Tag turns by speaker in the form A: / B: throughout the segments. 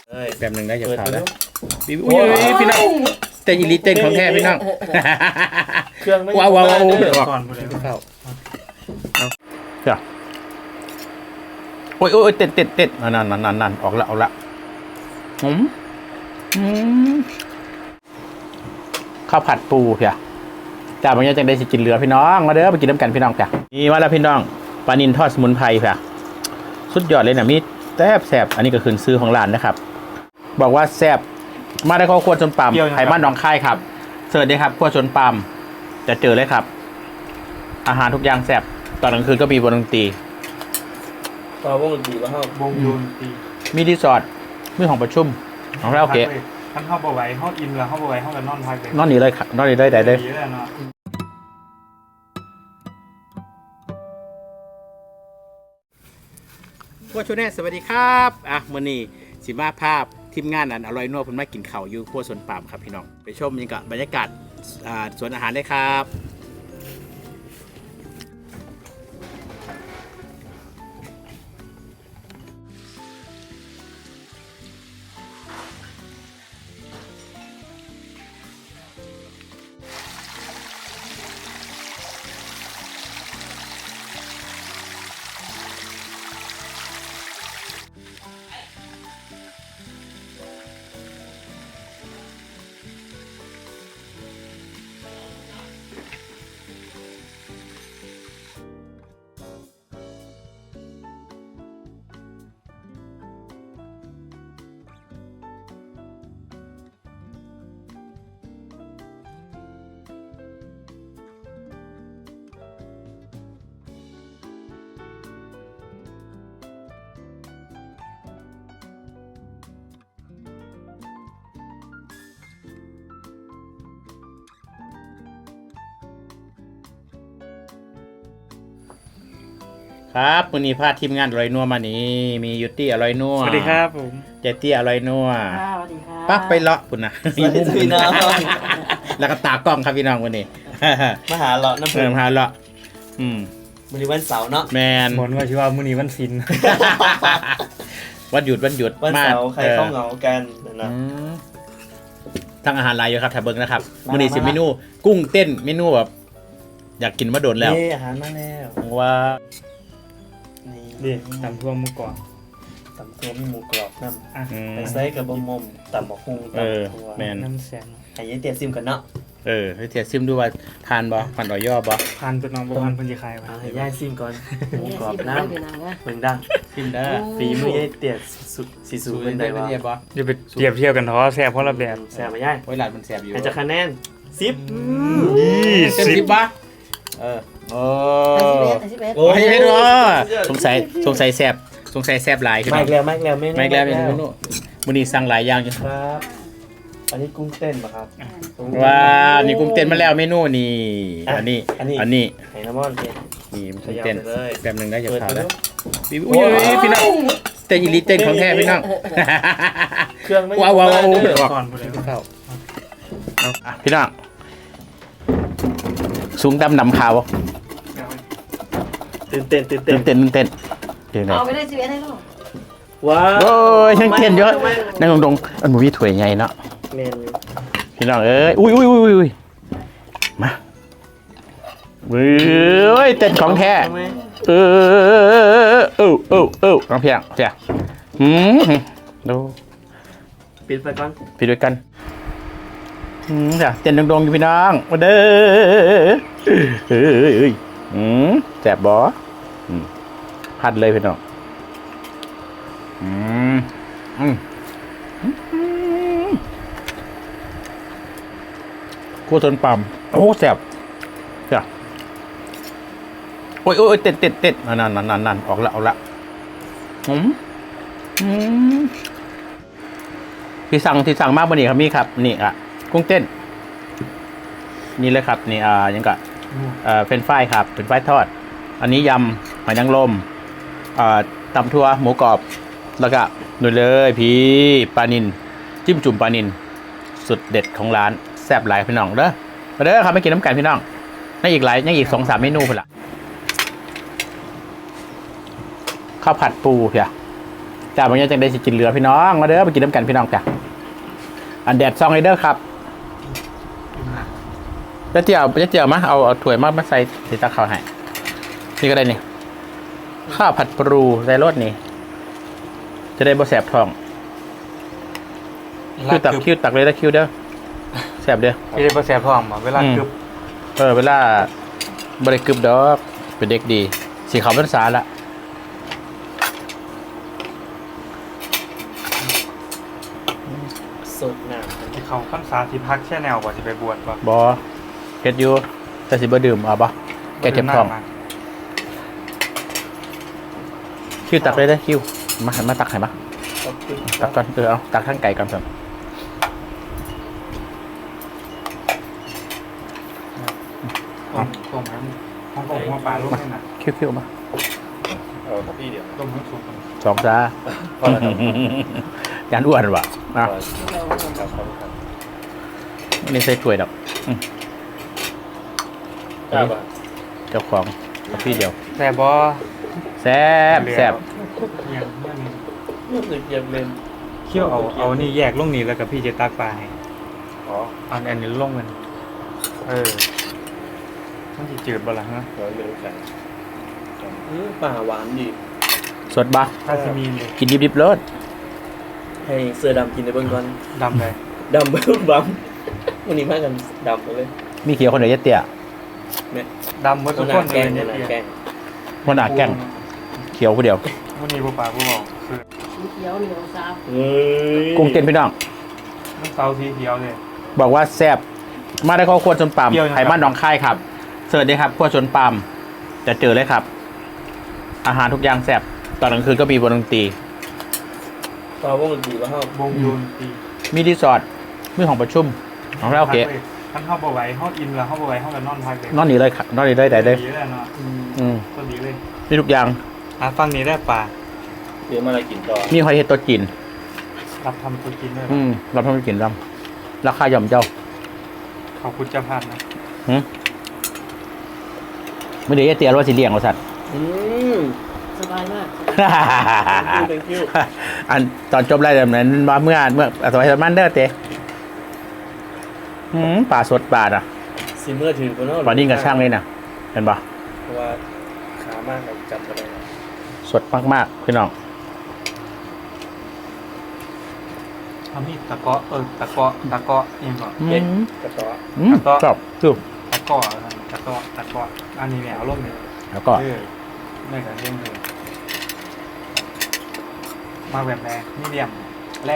A: แป๊บนึงได้จะข่าวแล้วอุ้ยพี่น้องเต้นอีลิเต้นของแท้พี่น้อง
B: เครื่องไม่
A: ว้าวว้าว
B: ก่อนหมดเลย
A: เข้าเดี๋ยวโอ้ยเต้นนั่นออกละข้าวผัดปูเพียจ้าบางอย่างจังได้สิกินเรือพี่น้องมาเด้อไปกินน้ำกันพี่น้องเพียนี่ว่าแล้วพี่น้องปลานิลทอดสมุนไพรเพียสุดยอดเลยนะมีแซ่บอันนี้ก็คือซื้อของร้านนะครับบอกว่าแซ่บมาได้ข้าวคั่วชนปั๊มไผ่บ้านหนองคายครับเสิร์ฟเลยครับคั่วชนปั๊มจะเจอเลยครับอาหารทุกอย่างแซ่บตอนกลางคืนก็มีวงดนตรี
B: ต่อวงดนตรีแล้วครับวงดนตรี
A: มีรีสอร์ทมีห้องประชุมของเราโอเค
B: ท่านเข้าบ่ไหวเข้าอินแล้วเข้าบ่ไหวเข้ากันนอนพักเลย
A: นอนนี่เลยครับนอนนี่ได้เลยครัวชูแน่สวัสดีครับมื้อนี้สิมาภาพทีมงานอันอร่อยนัวเพิ่นมากินข้าวอยู่ครัวสวนปามครับพี่น้องไปชมบรรยากาศสวนอาหารได้ครับครับวันนี้พาทีมงานอร่อยนัวมานี่มียุตี้อร่อยนัว
B: สวัสดีครับผม
A: เจตี้อร่อยนัว
C: สวัสดีครับ
A: ปั๊บไปเลาะคุณนะ
B: มีมุมพี่น้อง
A: แล้วก็ตากล้องครับพี่น้องวันนี้
B: มาหาเลาะน้ำเพิ่
A: มหาเลาะ
B: มื้อนี้วันเสาร์เนาะ
A: แมน
B: หมดว่าชื่อว่ามื้อนี้วันศิลป์
A: วันหยุด
B: วันเสาร์ใครเข้าเหงากันนะ
A: ทั้งอาหารลายอยู่ครับแถบเบิ้งนะครับมื้อนี้สิเมนูกุ้งเต้นเมนูแบบอยากกินมาโดนแล้ว
B: อาหารมาแล้ว
A: ว่า
B: นี่ตำทั่วหมูกรอบตำทั่วหมูกรอบน้ำไปใส่กับบะหมี่ตำบักหุ่งตำทั่วน้ำแสงให้ยายเตี๋ยซิมกันเนาะ
A: ให้เตี๋ยซิมดูว่าทานบ่ผ่านต่อย่อบ่
B: ผ่านตัวน้องบ่ผ่านเพิ่นสิขายบ่ให้ยายซิมก่อนหมูกรอบน้ำเบิ่งดัง
A: ซิมได้
B: ฝีมือยายเตี๋ยสิสูเป็นได้บ่
A: อย่าไป
B: เปรียบเทียบกันท้อแซ่บเพราะละแบบแซ่บบ่ยาย
A: โอ้ยหลานมันแซ่บอยู่
B: ให้จะคะแนน
A: 10เต็ม10บ่โอ้ยไม่รู้สงสัยแซ่บหลาย
B: ไม่แล้วไม่แล้ว
A: มื้อนี้สั่งหลายอย่างอยู่
B: ครับอันนี้กุ้งเต้นป่ะครับ
A: ว้านี่กุ้งเต้นมาแล้วเมนูนี่อันนี้
B: ไหน้ำมัน
A: นี่กุ้งเต้นแป๊บนึงได้จะข่าวแล้วอุ้ยพี่น้องเต้นอีลิเต้นของแท้พี่น้อง
B: เครื่องไม่
A: ว้าวก่อนเข้าพี่น้องสูงดำนำขาว
B: ตื่นเต้น
C: เอาไปได้ชีวิตให้ลูก
B: ว้าว
A: โอ้ยยังเต้นเยอะนั่งตรงอันมูวี่ถวยใหญ่เนาะพี่น้องเอ้ยอุ้ยมาเว้ยเต้นของแท้น้องเพียงดู
B: ปิดไปก่อน
A: ปิดด้วยกันจ้ะเต้นดงๆอยู่พี่น้องมาเด้อแซ่บบ่พัดเลยพี่น้องคั่วต้นปั๊มโอ้แซ่บจ้ะโอ้ยเต้นนั่นออกละที่สั่งมากบ่นี่ครับมีครับนี่กุ้งเต้นนี่เลยครับนี่ยังกะเป็นฝ้ายครับเป็นฝ้ายทอดอันนี้ยำหอยนางรมตำทั่วหมูกรอบแล้วก็นู่นเลยพี่ปลานิลจิ้มจุ่มปลานิลสุดเด็ดของร้านแซ่บหลายพี่น้องเด้อมาเด้อครับไม่กินน้ำกันพี่น้องนั่งอีกหลายยังอีก 2-3 เมนูพุ่นละข้าวผัดปูเพียจ้าบางอย่างจังได้สิกินเหลือพี่น้องมาเด้อไปกินน้ำกันพี่น้องจ้ะอันแดดซองไอเดอร์ครับจะเจียวมาเอาถ้วยมาใส่สีตาขาวให้นี่ก็ได้นี่ข้าวผัดปรูใส่รสนี่จะได้บ่แสบท้องคิวตักเลยนะคิวเด้อแสบเด้อ
B: พี่ได้บ่แซ่บท้องบ่เวลากึบ
A: เวลาบริกรึบดอกเป็นเด็กดีสีขาวเป็นสาละ
B: สดน้ำ
D: ที่เขาขั้นสาธิพักแช่แนวกว่าจะไปบวชป่ะ
A: บอเฮ็ดอยู่แต่สิบ่ดื่มเอาปะแกเจ็บท้องคิวตักเลยได้คิวมาตักให้มาตักก่อนเอาตักข้างไก่ก่อนครับ
D: ต้มน้ำห้องกงหัวปลาลูกนี่นะ
A: คิวมา
B: เอาพี่เดียว
D: ต้มให้สุก
A: สองจ้า
B: พอแล้วครับ
A: ยานอ้วนวะอ่ะ
B: ครับ
A: นี่ใส่ถ้วยดอก
B: ครับ
A: เจ้าของพี่เดียว
D: แต่บอ
A: แซ่บ
D: ยัง
B: รู้สึกยังเป็น
D: เคี่ยวเอานี่แยกลงนี่แล้วกับพี่จะตักปลาให้
B: อ๋อ
D: อันนี้ลงมันมันจะจืดบ่ล่ะฮะ
B: ร้อยเมตรกันป่าหวานดี
A: สดบ่
D: ถ้าจะมีเลย
A: กินดิบๆเลย
B: ให้เสื้อดำกินในเบื้องก่อน
D: ดำเลย
B: ดำเบื้องบัมวันนี้มากันดำเลย
A: มีเขียวคนเดียวเตี้ย
D: ดำหมดทุกคน
B: แก
D: เลย
B: ง
D: เนี่ย
B: แกง
A: คนหนาแกล้งเขียวคนเดียว
D: วันนี้ผู้ปลาผู้บอกคือ
C: สีเขียวเหนียวซับ
B: เฮ้ย
A: กุ้งเต้นพี่น้อง
D: น้ำเตาสีเขียวเลย
A: บอกว่าแซ่บมาได้ข้อควรชนปาม
D: เปรี้ยวนะครับ
A: ไผ่บ้านหนองคายครับเสิร์ชเลยครับขั้วชนปามจะเจอเลยครับ อาหารทุกอย่างแซ่บตอนกลางคืนก็มีวงดนตรี
B: ปลาวงดนตรีว่าเขา
D: วงยูนตี
A: มีรีสอร์ทมีห้องประชุมของเราโอเค
D: ท่านเข้าบ่ไหวเข้าอินแล้วเข้าบ่ไหวเข้ากันนอนพักเลย
A: นอนนี่เลยครับนอนนี่เลยได้เลย
D: ดีเลยเนาะ ก็ดีเลย
A: มีทุกอย่าง
D: ฟังนี้ได้ปลา
B: เดี๋ยวมาอะไรกินต่อ
A: มีหอยเห็ดตัวจีน
D: รับทำตัวกินด้วย
A: เราทำให้กินรำราคาย่อมเจ้า
D: ขอบคุณเจ้าพันนะ
A: ไม่ได้เตี้ยว่าสิเลี้ยงว่าสัตว์
C: สบายมาก
B: thank you
A: อันตอนจบไล่แบบนั้นมาเมื่อสมัยสมันเดอร์เตะป่าสดป่าอ่ะ
B: ซิมเมอร์ถือคนนอก
A: ป่านิ่งกับช่างเลยนะเห็นปะ
B: เพราะว่าขามากกับจับอะไร
A: สดมากๆพี่น้อง
D: ทำนี่ตะเกาะตะเกาะยังก่อน
B: เย็นกระต่อ
A: ชอบดู
D: ตะเกาะอันนี้เนี่ยเอาลงเนี่ย
A: แล้วก็
D: ไม่กันเล่นเลยมาแบบแรมีเดียมแร่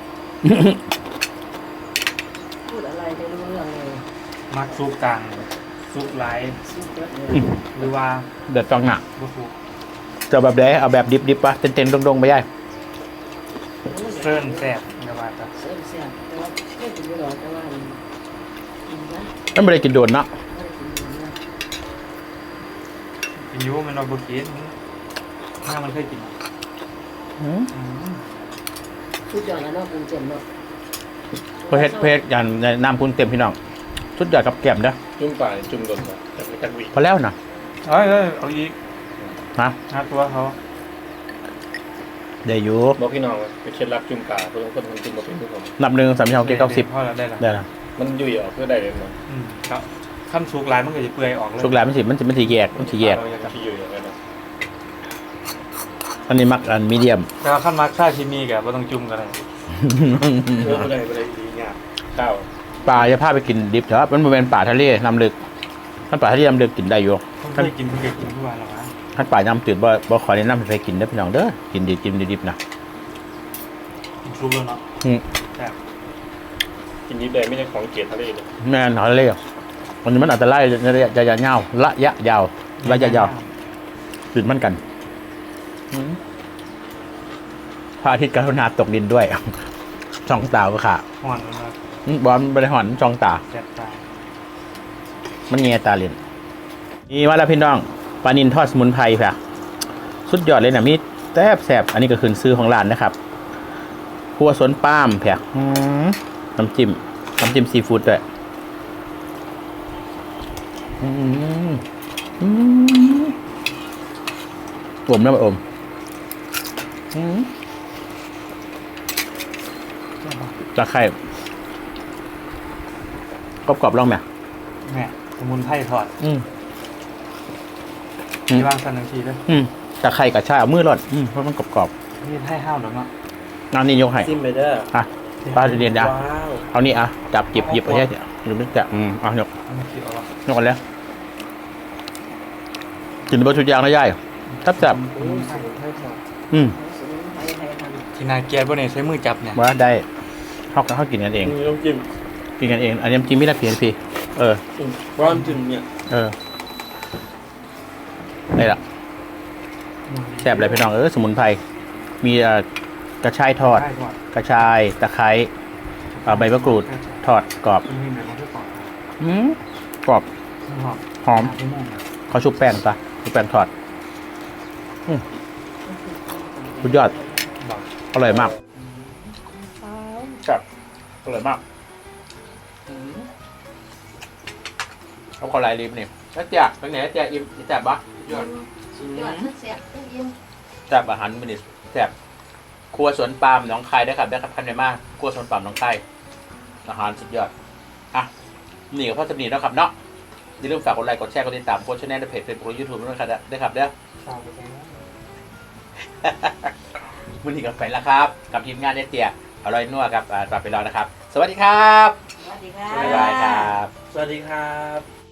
C: พูดอะไรไม่รู้เรื่องเลย
D: มักซุปกลางซุปไลท์
C: สุดยอดเลย
D: หรือว่า
A: เดือดจังหนัก
D: บุซุป
A: จะแบบไหนเอาแบบดิบๆปะเต็มๆตรงๆไปย่าย
D: เส้นแซ่บเดี๋ยวว่าจะ
C: เสียเสียแต่ว่าไม่ถึงไม่หรอกแต่ว่ากินนะ
A: ไม่ได้กินโดนเนาะ
C: ไม่ได้กินนะ
D: กินยูมันเอาบุกินถ้ามันเคยกิน
C: สุดยอดแล้วเนาะคุณเจมเนาะ
A: เพชรอย่างน้ำคุณเต็มพี่น้องสุดยอดกับแก้มเด้อ
B: จุ่มป่าจุ่มโดนมาแต่ไม่ตักวิ
A: พอแล้วนะ
D: เอาอีก
A: ฮะ
D: หาตัวเขา
A: ได้อยู่
B: บอกพี่น้องว่าเป็นเคล็ดลับจุ่มป่าเพื่อนคนมันจุ่มมาเป็นทุกคน
A: นับหนึ่งสามเก้าสิบ
D: พอแล้วได้แล้ว
A: ได้ละ
B: มันยุ่ยออกเพื่อได้เลยมั้ง
D: ครับขั้นซุกลายมันก็จะเปื่อยออกเลย
A: ชุกแหลมมันสีแยก
B: ที่ยุ่ยอย่างนั้นนะ
A: อันนี้มักอันมีเดียม
D: แต่ว่าขั้นมาร์คชาชิมีกับว่าต้องจุ่มกันเลย
B: ไม่ได้ดีงามข้าว
A: ปลาจะพาไปกินดิบเถอะมันเป็นป่าทะเลน้ำลึกท่านป่าทะเลน้ำลึกกินได้อยู่
D: ผมเคยกินทุกวันหรอวะ
A: ท่านป่าน้ำตื่นบ่ขอแนะนำให้ไปกินเด้อพี่น้องเด้อกินดิบนะ
D: กินซุปแล้วเนาะแต่
B: กินนิดเลยไม่ใช่ของเกล็ดทะเลเลย
A: แม่นทะเลวันนี้มันอาจจะไล่ระยะยาวระยะยาวตื่นมันกันพระอาทิตย์กรุณาตกดินด้วย ช่องตาก็ขา
D: ห่อนมา
A: บอลบริหารช่องตา
D: แซ่บตาย
A: มันเงียตาเรียนนี่ว่าแล้วพี่น้องปลานินทอดสมุนไพรค่ะสุดยอดเลยนะมีแซ่บอันนี้ก็คือซื้อของร้านนะครับครัวสวนปาล์มแผกน้ำจิ้มซีฟู้ดด้วยอมนะอมตะไคร้กรอบๆลองไหม
D: แม่สมุนไพรทอด
A: อืม
D: ที่วางสันนังทีด้วย
A: ตะไคร้กับชาเอามือรอดเพราะมันกรอบ
D: นี่ให้ห้าวหรือเปล่า
A: ๆน้ำนี่ยกให้
B: ซิมไปเด้อ
A: อ่ะป้าเรียนยา
B: ว้าว
A: เอานี่อ่ะจับหยิบเอาแค่หรือไม่จับเอายก
D: เอามาคิดเอาวะ
A: ยกกันแล้วกินบะชุดยางแล้วย่ายทับจับ
B: อู้สมุนไพรทอด
C: สมุนไพรไทยทำ
D: ที่นาเกียร์บนเนี่ยใช้มือจับเนี่ย
A: ว่าได้เขากินกันเอง
B: มีน้ำจิ้ม
A: กินกันเองอันนี้จิ้มไม่ได้เพียนพี่เออ
B: ร้อนจิ้มเนี่ย
A: นี่แหละแซ่บเลยพี่น้องสมุนไพรมีกระชายทอด
D: ได้ก่อน
A: กระชายตะไคร้ใบมะกรูดทอดกรอบ
D: มันมีแบบว่าที่ปอก
A: กรอบ
D: หอม
A: หอม
D: ที่ม่วง
A: เขาชุบแป้งปะชุบแป้งทอดสุดยอด
D: บอก
A: อร่อยมากครับอร่อยมากเอาขอลายริมนี่แล้วเจ๊ะเป็นไงเจ๊ะอิ่มแซ่บปะยอด
C: ยอดทั้งแซ่บทั้งเย็น
A: แซ่บอาหารมินิแซ่บครัวสวนปาล์มหนองคายได้ครับท่านในมากครัวสวนปาล์มหนองคายอาหารสุดยอดอ่ะนี่กับพ่อสำนีแล้วครับเนาะอย่าลืมฝากกดไลค์กดแชร์กดติดตามโค้ชแนลในเพจเฟซบุ๊กยูทูบด้วยครับได้ครับเด้อ
B: ฝากไปแค่นั้น
A: วันนี้กับไปแล้วครับ กับทีมงานเตี้ยอร่อยนัวครับฝากไปรอนะครับ สวัสดีครับ
C: สวัสดีค่ะ
A: บ๊ายบายครับ
B: สวัสดีครับ